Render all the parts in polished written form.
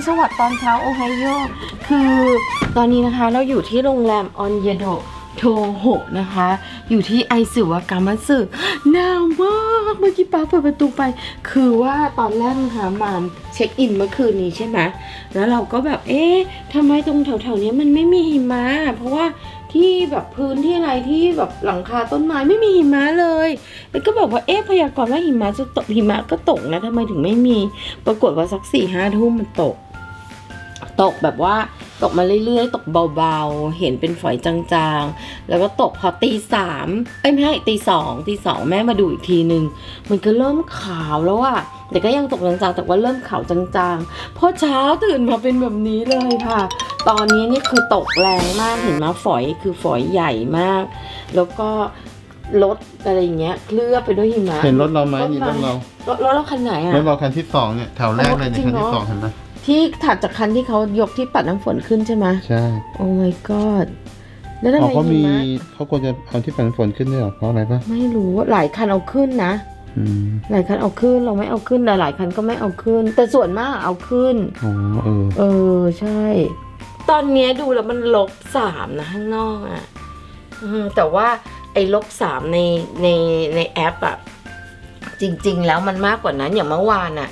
สวัสดีตอนเช้าโอไฮโอคือตอนนี้นะคะเราอยู่ที่โรงแรมออนเยโดโทโฮนะคะอยู่ที่ไอซึวากามัสึหนาวมากเมื่อกี้ป้าเปิดประตูไปคือว่าตอนแรกนะคะมาเช็คอินเมื่อคืนนี้ใช่ไหมแล้วเราก็แบบเอ๊ะทำไมตรงแถวๆนี้มันไม่มีหิมะเพราะว่าที่แบบพื้นที่อะไรที่แบบหลังคาต้นไม้ไม่มีหิมะเลยแล้วก็บอกว่าเอ๊ะพยากรณ์ว่าหิมะจะตกหิมะก็ตกนะทำไมถึงไม่มีปรากฏว่าสัก4-5 ทุ่มมันตกแบบว่าตกมาเรื่อยๆตกเบาๆเห็นเป็นฝอยจางๆแล้วก็ตกพอ3:00ไม่ใช่ตีสองแม่มาดูอีกทีนึงมันก็เริ่มขาวแล้วอะแต่ก็ยังตกจางๆแต่ว่าเริ่มขาวจางๆพอเช้าตื่นมาเป็นแบบนี้เลยค่ะตอนนี้นี่คือตกแรงมากเห็นไหมฝอยคือฝอยใหญ่มากแล้วก็รถอะไรอย่างเงี้ยเคลือบไปด้วยหิมะเห็นรถเราไหมนี่รถเราคันไหนอะรถเราคันที่2เนี่ยแถวแรกเลยในคันที่2เห็นไหมที่ถัดจากคันที่เขายกที่ปัดน้ำฝนขึ้นใช่ไหมใช่โอ้ my god แล้วทำไมเขาควรจะเอาที่ปัดน้ำฝนขึ้นด้วยหรอเพราะอะไรปะไม่รู้หลายคันเอาขึ้นนะหลายคันเอาขึ้นเราไม่เอาขึ้นหลายคันก็ไม่เอาขึ้นแต่ส่วนมากเอาขึ้นอ๋อใช่ตอนนี้ดูแล้วมัน-3นะข้างนอกอ่ะแต่ว่าไอ้-3ในแอปอ่ะจริงๆแล้วมันมากกว่านั้นอย่างเมื่อวานน่ะ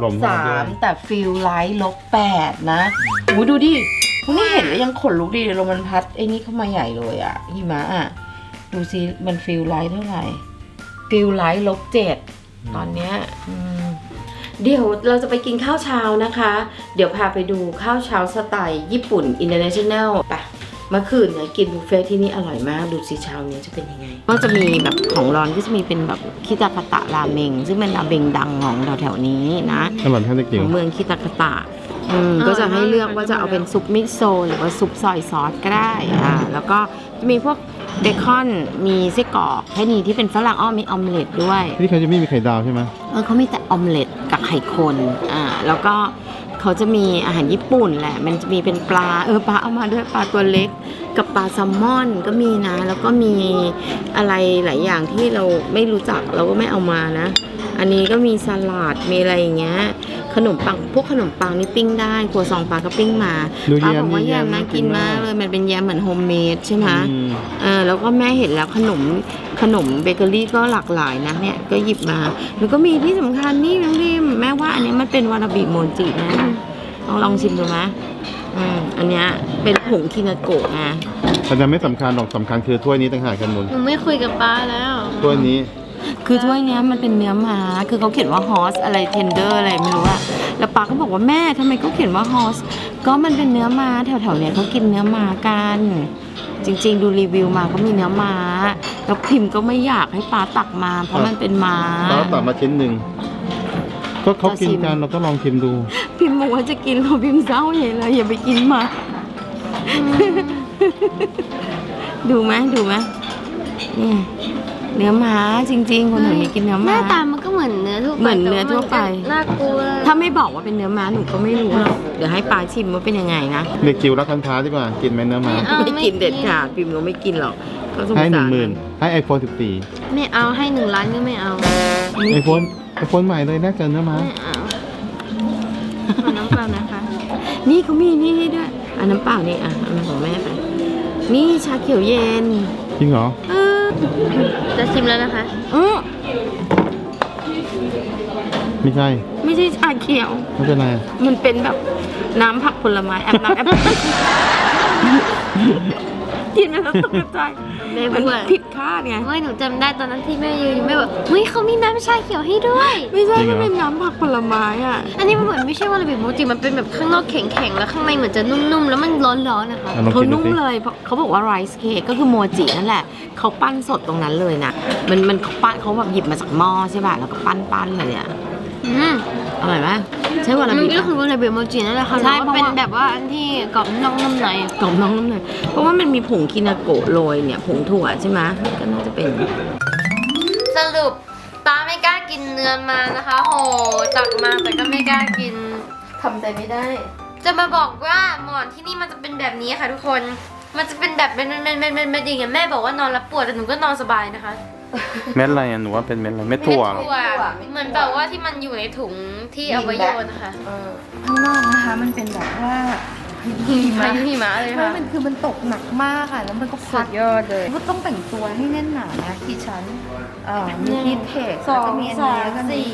-3แต่ฟิลไลท์-8นะดูดิคุณนี่เห็นแล้วยังขนลุกดีเลยลมมันพัดไอ้นี่เข้ามาใหญ่เลยอ่ะหิมะอ่ะดูสิมันฟิลไลท์เท่าไหร่ฟิลไลท์-7ตอนเนี้ยเดี๋ยวเราจะไปกินข้าวเช้านะคะเดี๋ยวพาไปดูข้าวเช้าสไตล์ญี่ปุ่นอินเตอร์เนชั่นแนลไปเมื่อคืนเนี่ยกินบุฟเฟ่ที่นี่อร่อยมากดูสิเช้านี้จะเป็นยังไงก็จะมีแบบของร้อนก็จะมีเป็นแบบคิตากะตะราเมงซึ่งเป็นราเมงดังของแถวๆนี้นะของเมืองคิตากะตะก็จะให้เลือกว่าจะเอาเป็นซุปมิโซะหรือว่าซุปซอยซอสก็ได้แล้วก็จะมีพวกเบคอนมีไส้กรอกแค่นี้ที่เป็นฝรั่งมีออมเล็ตด้วยนี่เขาจะไม่มีไข่ดาวใช่ไหมเขามีแต่ออมเล็ตกับไข่คนแล้วก็เขาจะมีอาหารญี่ปุ่นแหละมันจะมีเป็นปลาปลาเอามาด้วยปลาตัวเล็กกับปลาแซลมอนก็มีนะแล้วก็มีอะไรหลายอย่างที่เราไม่รู้จักเราก็ไม่เอามานะอันนี้ก็มีสลัดมีอะไรอย่างเงี้ยขนมปังพวกขนมปังนี่ปิ้งได้ครัวซองปลาก็ปิ้งมาป้าบอกว่าแยมน่ากินมากเลยมันเป็นแยมเหมือนโฮมเมดใช่ไหมแล้วก็แม่เห็นแล้วขนมเบเกอรี่ก็หลากหลายนะเนี่ยก็หยิบมาแล้วก็มีที่สำคัญนี่น้องริมแม่ว่าอันนี้มันเป็นวาราบิโมจินะลองชิมดูไหมอันเนี้ยเป็นผงคินาโกะไงแต่จะไม่สำคัญหรอกสำคัญคือถ้วยนี้ต่างหากกันหมดหนูไม่คุยกับป้าแล้วถ้วยนี้คือถ้วยนี้มันเป็นเนื้อม้าคือเขาเขียนว่าฮอสอะไรเทนเดอร์อะไรไม่รู้อะแล้วป้าก็บอกว่าแม่ทำไมเขาเขียนว่าฮอสก็มันเป็นเนื้อม้าแถวๆเนี้ยเขากินเนื้อม้ากันจริงๆดูรีวิวมาก็มีเนื้อม้าแล้วพิมพ์ก็ไม่อยากให้ป้าตักมาเพราะมันเป็นม้าป้าตักมาชิ้นหนึ่งก็เขากินกันเราก็ลองชิมดูพิมพ์บอกว่าจะกินเราพิมพ์เศร้าใหญ่เลยอย่าไปกินมาดูไหมนี่เนื้อม้าจริงๆคนหนูนี่กินเนื้อม้าหน้าตามันก็เหมือนเนื้อทั่วไปน่ากลัวถ้าไม่บอกว่าเป็นเนื้อม้าหนูก็ไม่รู้หรอกเดี๋ยวให้ป้าชิมว่าเป็นยังไงนะเด็กจิ๋วรักคันท้าดีกว่ากินไหมเนื้อม้าไม่กินเด็ดขาดพิมพ์เราไม่กินหรอกให้10,000ให้iPhone 14 ไม่เอาให้1 ล้านก็ไม่เอา iPhone ใหม่เลยน่าเกินเนื้อม้าไม่เอาขอน้ำเปล่านะคะนี่เขามีนี่ให้ด้วยน้ำเปล่านี่เอาของแม่ไปนี่ชาเขียวเย็นจริงเหรอจะชิมแล้วนะคะไม่ใช่ชาเขียวไม่เป็นไรมันเป็นแบบน้ำผักผลไม้น้ำแอปเปิ้ลกินไปแล้วตกใจมันผิดคาดไงไม่หนูจำได้ตอนนั้นที่แม่ยืนแม่บอกเฮ้ยเขามีน้ำชาเขียวให้ด้วยไม่ใช่มันเป็นน้ำผักผลไม้อ่ะอันนี้มันเหมือนไม่ใช่วาราบิโมจิมันเป็นแบบข้างนอกแข็งๆแล้วข้างในเหมือนจะนุ่มๆแล้วมันร้อนๆนะคะเขานุ่มเลยเขาบอกว่าไรซ์เค้กก็คือโมจินั่นแหละเขาปั้นสดตรงนั้นเลยนะมันเขาแบบหยิบมาจากหม้อใช่ป่ะแล้วก็ปั้นเลยอ่ะอร่อยไหมใช่วาราบิก็คือวาราบิโมจินั่นแหละค่ะใช่เป็นแบบว่าอันที่กรอบนอกนุ่มในเพราะว่ามันมีผงคินาโกะโรยเนี่ยผงถั่วใช่ไหมก็น่าจะเป็นสรุปป้าไม่กล้ากินเนื้อมานะคะโหตักมาแต่ก็ไม่กล้ากินทำใจไม่ได้จะมาบอกว่าหมอนที่นี่มันจะเป็นแบบนี้ค่ะทุกคนมันจะเป็นแบบเป็นอย่างเงี้ยแม่บอกว่านอนแล้วปวดแต่หนูก็นอนสบายนะคะเม็ดอะไรอ่ะหนูว่าเป็นเม็ดอะไรเม็ดถั่วเหรอเหมือนแบบว่าที่มันอยู่ในถุงที่เอาไว้โยนนะคะข้างนอกนะคะมันเป็นแบบว่าหิมะหิมะเลยไม่ค่ะมันคือมันตกหนักมากค่ะแล้วมันก็สุพัดดยอดเลยก็ต้องแต่งตัวให้แน่นหนานะที่ฉันมีฮีทเทคแล้วก็มีอันนี้แล้วก็มี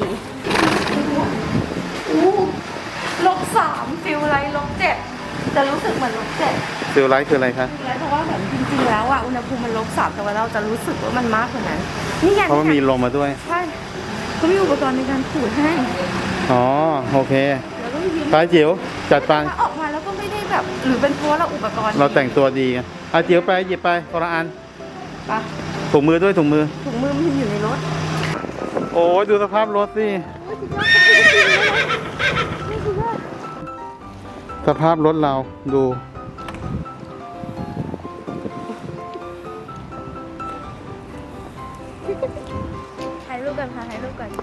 -3ฟิลไลท์-7จะรู้สึกเหมือน-7 ฟิลไลท์คืออะไรคะแล้วเพราะว่าเหมือนจริงๆแล้วอ่ะอุณหภูมิมัน-3แต่ว่าเราจะรู้สึกว่ามันมากกว่านั้นนี่ไงเพราะว่ามีลมมาด้วยใช่เขามีอุปกรณ์ในการขูดให้อ๋อโอเคแล้วก็มียิ้มไปจิ๋วจัดไปถ้าออกมาแล้วก็ไม่ได้แบบหรือเป็นเพราะว่าเราอุปกรณ์เราแต่งตัวดีไงอ่ะจิ๋วไปหยิบไปคนละอันปะถุงมือด้วยถุงมือถุงมือมันอยู่ในรถโอ้ยดูสภาพรถสิสภาพรถเราดูถ่ายรูปกันค่ะถ่ายรูปกัน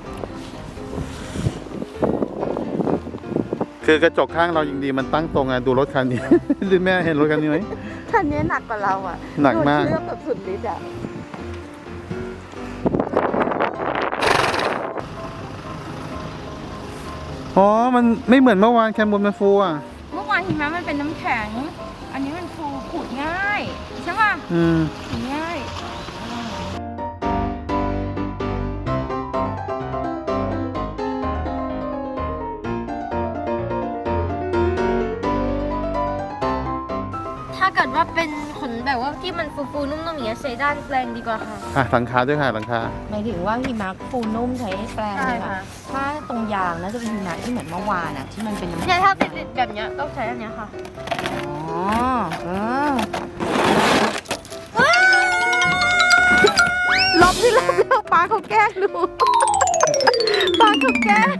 คือกระจกข้างเรายังดีมันตั้งตรงอ่ะดูรถคันนี้ ดูแม่เห็นรถคันนี้ไหมคันนี้หนักกว่าเราอ่ะหนักมากโดนเครื่องแบบสุดฤทธิ์อ่ะอ๋อมันไม่เหมือนเมื่อวานแคมบนมันฟูอ่ะเมื่อวานหิมะมันเป็นน้ำแข็ง อันนี้มันฟูขูดง่ายใช่ป่ะอืมขูดง่ายถ้าเกิดว่าเป็นขนแบบว่าที่มันฟูๆนุ่มๆอย่างเงี้ยใช้ด้านแปลงดีกว่าค่ะอ่ะหลังคาด้วยค่ะหลังคาหมายถึงว่าหิมะฟูนุ่มใช้แปรงใช่เลยค่ะค่ะถ้าตรงยางน่าจะเป็นหิมะที่เหมือนเมื่อวานอ่ะที่มันเป็นน้ำเนี่ยถ้าติดๆแบบเนี้ยต้องใช้อันเนี้ยค่ะอ๋อลบที่ลบแล้วป้าเขาแกล้งดูป้าเขาแกล้ง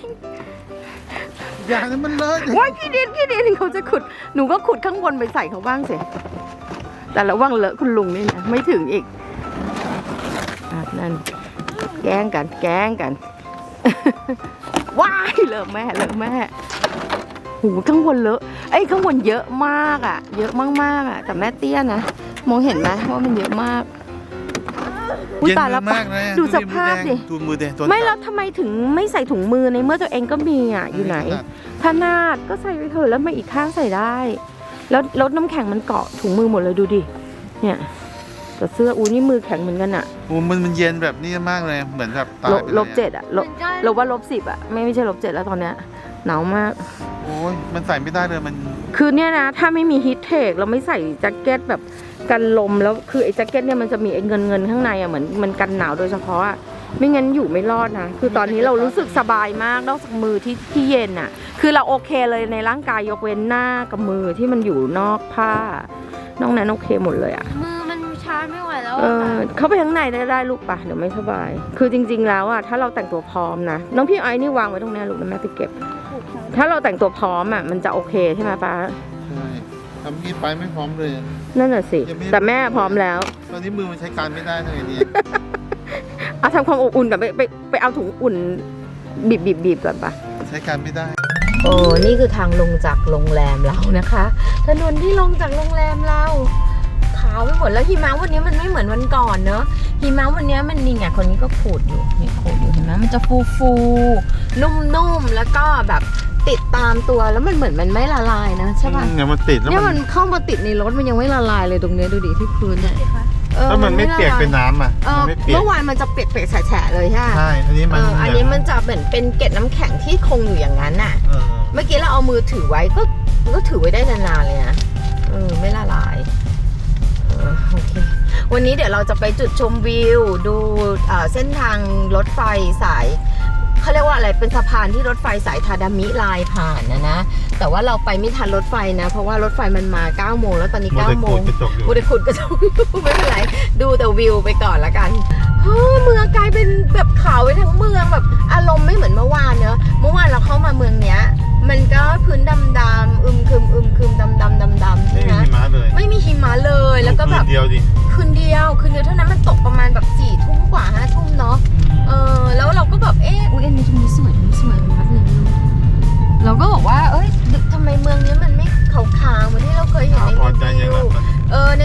อย่างนั้นมันเลอะว่าขี้ดินเขาจะขุดหนูก็ขุดข้างบนไปใส่เขาบ้างสิแต่ระวังเลอะคุณลุงนี่นะไม่ถึงอีกนั่นแกล้งกัน ว้ายเลอะแม่หูข้างบนเลอะข้างบนเยอะมากอ่ะเยอะมากๆอ่ะแต่แม่เตี้ยนะมองเห็นไหมว่ามันเยอะมากอุ๊ยเย็นตายมืแล้วอมากเลยอะดูสภาพดิดูมือแดงตัวไม่แล้วทำไมถึงไม่ใส่ถุงมือในเมื่อตัวเองก็มีอ่ะอยู่ไหนถนัดก็ใส่ไปเถอะแล้วมาอีกข้างใส่ได้ แล้วรถน้ำแข็งมันเกาะถุงมือหมดเลยดูดิเนี่ยแต่เสื้อนี่มือแข็งเหมือนกันอ่ะโอ้มันเย็นแบบนี้มากเลยเหมือนแบบตายไปเลย -7อ่ะลบว่า-10อ่ะไม่ใช่-7แล้วตอนเนี้ยหนาวมากโอ้ยมันใส่ไม่ได้เลยมันคือเนี่ยนะถ้าไม่มีฮีทเทคเราไม่ใส่แจ็คเก็ตแบบกันลมแล้วคือไอ้แจ็คเก็ตเนี่ยมันจะมีไอ้เงินข้างในอ่ะเหมือนมันกันหนาวโดยเฉพาะอ่ะไม่งั้นอยู่ไม่รอดนะคือตอนนี้เรารู้สึกสบายมากนอกจากมือที่เย็นอ่ะคือเราโอเคเลยในร่างกายยกเว้นหน้ากับมือที่มันอยู่นอกผ้านอกนั้นโอเคหมดเลยอ่ะมือมันชาไม่ไหวแล้วเข้าไปข้างในได้ลูกปะเดี๋ยวไม่สบายคือจริงๆแล้วอ่ะถ้าเราแต่งตัวพร้อมนะน้องพี่ไอ้นี่วางไว้ตรงนี้ลูกนะแม่ไปเก็บถ้าเราแต่งตัวพร้อมอ่ะมันจะโอเคใช่ไหมป้าใช่ทำนี้ไปไม่พร้อมเลยนั่นแหละสิยังไม่แต่แม่พร้อมแล้วตอนนี้มือมันใช้การไม่ได้เลยเนี่ยเอาทำความอบอุ่นก่อนไปเอาถุงอุ่นบีบก่อนปะใช้การไม่ได้โอ้นี่คือทางลงจากโรงแรมเรานะคะถนนที่ลงจากโรงแรมเราขาวไปหมดแล้วหิมะวันนี้มันไม่เหมือนวันก่อนเนอะหิมะวันนี้มันนี่ไงคนนี้ก็ขูดอยู่นี่ขูดอยู่เห็นไหมมันจะฟูนุ่มๆแล้วก็แบบติดตามตัวแล้วมันเหมือนมันไม่ละลายนะใช่ป่ะเนี่ยมันติดแล้วเนี่ยมัมัน นเข้ามาติดในรถมันยังไม่ละลายเลยตรงเนี้ยดูดิที่พื้นเนี่ยแล้วมันไม่เปียกเป็นน้ำอ่ะมันไม่เปียกเมื่อวานมันจะเปียกๆแฉะๆเลยใช่ไหมใช่อันนี้มันอันนี้มันจะเหมือนเป็นเกล็ดน้ำแข็งที่คงอยู่อย่างนั้นน่ะ เมื่อกี้เราเอามือถือไว้ก็ถือไว้ได้นานๆเลยนะไม่ละลายโอเควันนี้เดี๋ยวเราจะไปจุดชมวิวดูเส้นทางรถไฟสายเขาเรียกว่าอะไรเป็นสะพานที่รถไฟสายทาดามิลายผ่านนะแต่ว่าเราไปไม่ทันรถไฟนะเพราะว่ารถไฟมันมา9 โมงแล้วตอนนี้9 โมงมูได้ขุดกระจกไม่เป็นไรดูแต่วิวไปก่อนละกันเมืองกลายเป็นแบบขาวไปทั้งเมืองแบบอารมณ์ไม่เหมือนเมื่อวานเนอะเมื่อวานเราเข้ามาเมืองเนี้ยมันก็พื้นดำๆอึมครึมดำใช่ไม่ไหมมีหิมะเลยไม่มีหิมะเลยแล้วก็แบบเดียวดิคืนเดียวเท่านั้นมันตกประมาณแบบ4 ทุ่มกว่า5 ทุ่มเนาะแล้วเราก็แบบอุ้ยอันนี้ตรงนี้สวยพักหนึ่งเราก็บอกว่าทำไมเมืองนี้มันไม่ขาวๆเหมือนที่เราเคยเห็นในรีวิวในรีวิวมัน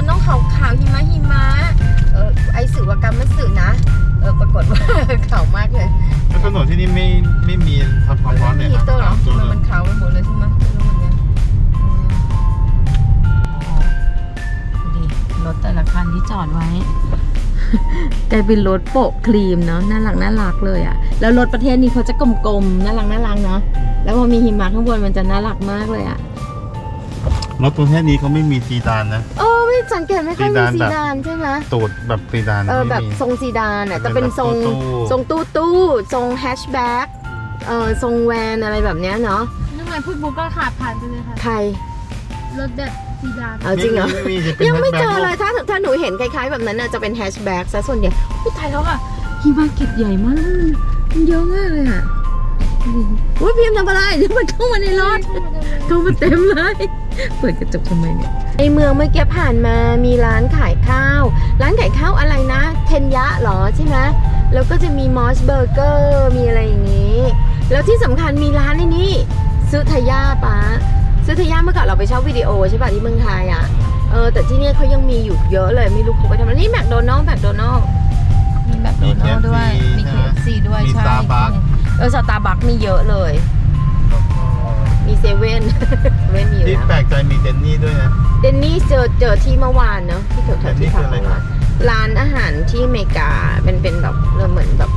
มันต้องขาวหิมะไอสื่อว่ากำมันสื่อนะปรากฏว่า ขาวมากเลยแล้วถนนที่นี่ไม่มีทำความร้อนเลยฮีนะเตอร์เหรอตัวมันขาวไปหมดเลยใช่ไหมไม่รู้เหมือนกันดูดิรถแต่ละคันที่จอดไว้ กลายเป็นรถโปะครีมเนาะน่ารักเลยอ่ะแล้วรถประเทศนี้เขาจะกลมๆน่ารักเนาะแล้วพอมีหิมะข้างบนมันจะน่ารักมากเลยอ่ะรถประเภทนี้เขาไม่มีซีดานนะไม่สังเกตไม่ค่อยมีซีซีดานแบบดานใช่ไหมตูดแบบซีดานแบไม่บมีทรงซีดานอ่ะแต่เป็นทรงทรงตู้ตู้ทรงแฮชแบ็กทรงแวนอะไรแบบเนี้ยเนาะนึกว่าพูดบุ๊กก็ขาดผ่านไปเลยค่ะใครรถแบบซีดานเอาจริงเหรอไม่มีจะเป็นยังไม่เจอ hatchback เลยถ้าหนูเห็นคล้ายๆแบบนั้นน่ะจะเป็นแฮชแบ็กซะส่วนใหญ่อุ้ยตายแล้วอ่ะหิมะเก็บใหญ่มากมันเยอะมากเลยอ่ะอุ้ยพิมพ์ทำอะไรเดี๋ยวมันเข้ามาในรถเข้ามาเต็มเลยเปิดกระจกทำไมเนี่ยในเมืองเมื่อกี้ผ่านมามีร้านขายข้าวอะไรนะเทนยะเหรอใช่ไหมแล้วก็จะมีมอสเบอร์เกอร์มีอะไรอย่างนี้แล้วที่สำคัญมีร้านในนี้ซื้อทายาป้าซื้อทายาเมื่อก่อนเราไปเช่าวิดีโอใช่ป่ะที่เมืองไทยอ่ะแต่ที่นี่เขายังมีอยู่เยอะเลยไม่รู้เขาไปทำอะไรนี่แมคโดนัลด์มีแมคโดนัลด์ด้วยมี KFC ด้วยมีใช่ Starbucks สตาร์บัคมีเยอะเลยมีเซเว่น ไม่มีอยู่ที่แล้วแปลกใจมีเดนนี่ด้วยนะเดนนี่เจอที่เมื่อวานเนาะที่แถวๆที่พักเดนนี่คืออะไรเมื่อวานร้านอาหารที่อเมริกาเป็นแบบเหมือนแบบ